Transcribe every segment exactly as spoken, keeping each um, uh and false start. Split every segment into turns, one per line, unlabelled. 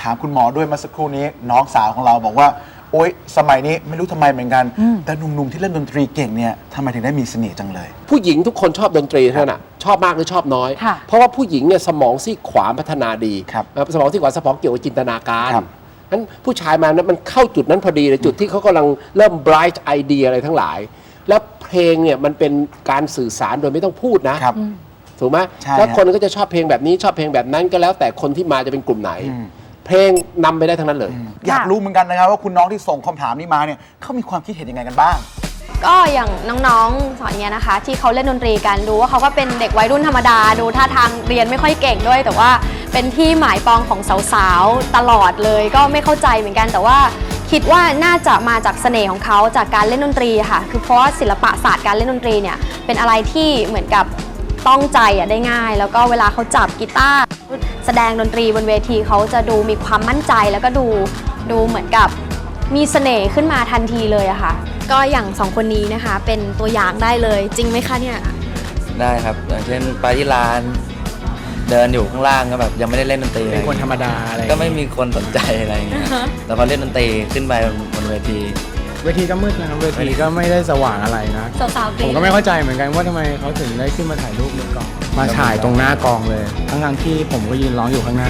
ถามคุณหมอด้วยเมื่อสักครู่นี้น้องสาวของเราบอกว่าโอ๊ยสมัยนี้ไม่รู้ทำไมเหมือนกันแต่หนุ่มๆที่เล่นดนตรีเก่งเนี่ยทำไมถึงได้มีเสน่ห์จังเลย
ผู้หญิงทุกคนชอบดนตรีเท่านั้นชอบมากหรือชอบน้อยเพราะว่าผู้หญิงเนี่ยสมองซีกขวาพัฒนาดีสมองซีกขวาสมองเกี่ยวกับจินตนาการนั้นผู้ชายมานั้นมันเข้าจุดนั้นพอดีเลยจุดที่เขากำลังเริ่ม bright idea อะไรทั้งหลายแล้วเพลงเนี่ยมันเป็นการสื่อสารโดยไม่ต้องพูดนะถูกไหมแล้วคนก็จะชอบเพลงแบบนี้ชอบเพลงแบบนั้นก็แล้วแต่คนที่มาจะเป็นกลุ่มไหนเพลงนำไปได้ทั้งนั้นเลย
อยากรู้เหมือนกันนะครับว่าคุณน้องที่ส่งคำถามนี้มาเนี่ยเขามีความคิดเห็นยังไงกันบ้าง
ก็อย่างน้องๆสอนเนี้ยนะคะที่เขาเล่นดนตรีกันดูว่าเขาก็เป็นเด็กวัยรุ่นธรรมดาดูท่าทางเรียนไม่ค่อยเก่งด้วยแต่ว่าเป็นที่หมายปองของสาวๆตลอดเลยก็ไม่เข้าใจเหมือนกันแต่ว่าคิดว่าน่าจะมาจากเสน่ห์ของเขาจากการเล่นดนตรีค่ะคือเพราะว่าศิลปะศาสตร์การเล่นดนตรีเนี่ยเป็นอะไรที่เหมือนกับต้องใจอ่ะได้ง่ายแล้วก็เวลาเขาจับกีตาร์แสดงดนตรีบนเวทีเขาจะดูมีความมั่นใจแล้วก็ดูดูเหมือนกับมีเสน่ห์ขึ้นมาทันทีเลยอะค่ะก็อย่างสองคนนี้นะคะเป็นตัวอย่างได้เลยจริงไหมคะเนี่ย
ได้ครับอย่างเช่นไปที่ร้านเดินอยู่ข้างล่างก็แบบยังไม่ได้เล่นดนตรี
เป็นคนธรรมดาอะไร
ก็ไม่มีคนสนใจอะไรอย่างเงี้ยแต่พอเล่นดนตรีขึ้นไปบนเวที
เวทีก็มืดนะครับเวทีก็ไม่ได้สว่างอะไรนะผมก็ไม่เข้าใจเหมือนกันว่าทำไมเขาถึงได้ขึ้นมาถ่ายรูปบนกองมาถ่ายตรงหน้ากองเลยทั้งๆที่ผมก็ยืนร้องอยู่ข้างหน้า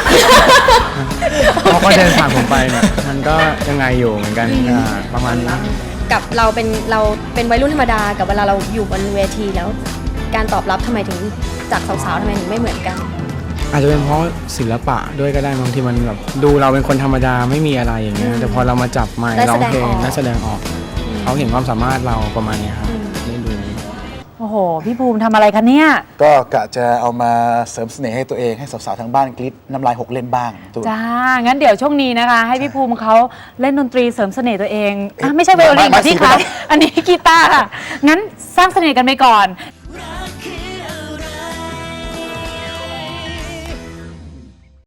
เขาก็เดินผ่านผมไปเนี่ยมันก็ยังไงอยู่เหมือนกันประมาณนี้
กับเราเป็นเราเป็นวัยรุ่นธรรมดากับเวลาเราอยู่บนเวทีแล้วการตอบรับทำไมถึงจากสาวๆทำไมถึงไม่เหมือนกัน
อาจจะเป็นเพราะศิลปะด้วยก็ได้บางทีมันแบบดูเราเป็นคนธรรมดาไม่มีอะไรอย่างเงี้ยแต่พอเรามาจับไมค์ร้องเพลงและแสดงออกเขาเห็นความสามารถเราประมาณนี้ครับได้ดู
โอ้โหพี่ภูมิทำอะไรคะเนี่ย
ก็กะจะเอามาเสริมเสน่ห์ให้ตัวเองให้สาวๆทางบ้านกรี๊ดน้ำลายหกเล่นบ้าง
จ้างั้นเดี๋ยวช่วงนี้นะคะให้พี่ภูมิเขาเล่นดนตรีเสริมเสน่ห์ตัวเองไม่ใช่ไวโอลินค่ะที่คะอันนี้กีตาร์ค่ะงั้นสร้างเสน่ห์กันไปก่อน